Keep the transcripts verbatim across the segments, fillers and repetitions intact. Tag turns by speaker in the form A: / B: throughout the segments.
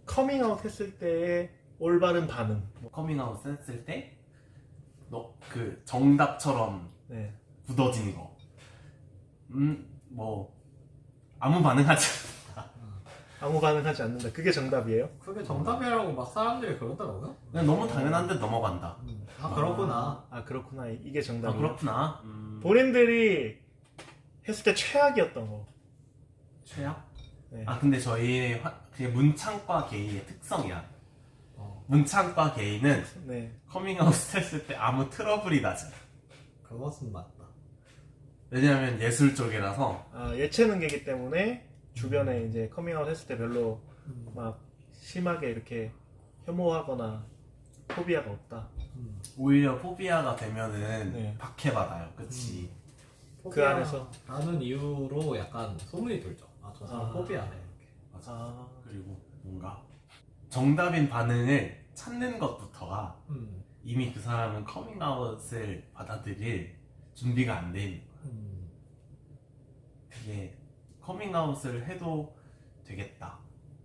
A: 커밍아웃 했을 때의 올바른 반응.
B: 커밍아웃 했을 때 너 그 정답처럼
A: 네.
B: 굳어진 거. 음, 뭐 아무 반응하지 않는다.
A: 아무 반응하지 않는다. 그게 정답이에요?
C: 그게 정답이라고 막 사람들이 그러더라고요.
B: 그냥 너무 당연한 듯 넘어간다.
C: 음. 아 그렇구나.
A: 아 그렇구나. 이게
B: 아,
A: 정답이에요.
B: 그렇구나. 음,
A: 본인들이 했을 때 최악이었던 거.
B: 최악?
A: 네.
B: 아 근데 저희 화- 그게 문창과 게이의 특성이야.
C: 어,
B: 문창과 게이는
A: 네.
B: 커밍아웃 했을 때 아무 트러블이 나지 않아.
C: 그것은 맞다.
B: 왜냐하면 예술 쪽이라서
A: 아, 예체능계이기 때문에 주변에 이제 커밍아웃 했을 때 별로
C: 음.
A: 막 심하게 이렇게 혐오하거나 포비아가 없다.
C: 음.
B: 오히려 포비아가 되면은
A: 네.
B: 박해받아요. 그치?
A: 그 안에서?
C: 라는 이유로 약간 소문이 돌죠. 아 저 사람
A: 아.
C: 포비아네 이렇게.
B: 맞아.
A: 아,
B: 그리고 뭔가 정답인 반응을 찾는 것부터가
C: 음.
B: 이미 그 사람은 커밍아웃을 받아들일 준비가 안 돼 있는 거야.
C: 음.
B: 되게 커밍아웃을 해도 되겠다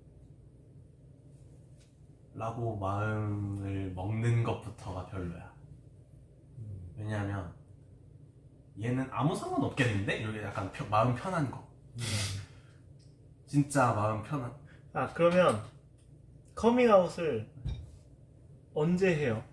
B: 라고 마음을 먹는 것부터가 별로야.
C: 음.
B: 왜냐하면 얘는 아무 상관없겠는데? 이렇게 약간 펴- 마음 편한 거.
C: 음.
B: 진짜 마음 편한.
A: 아 그러면 커밍아웃을 언제 해요?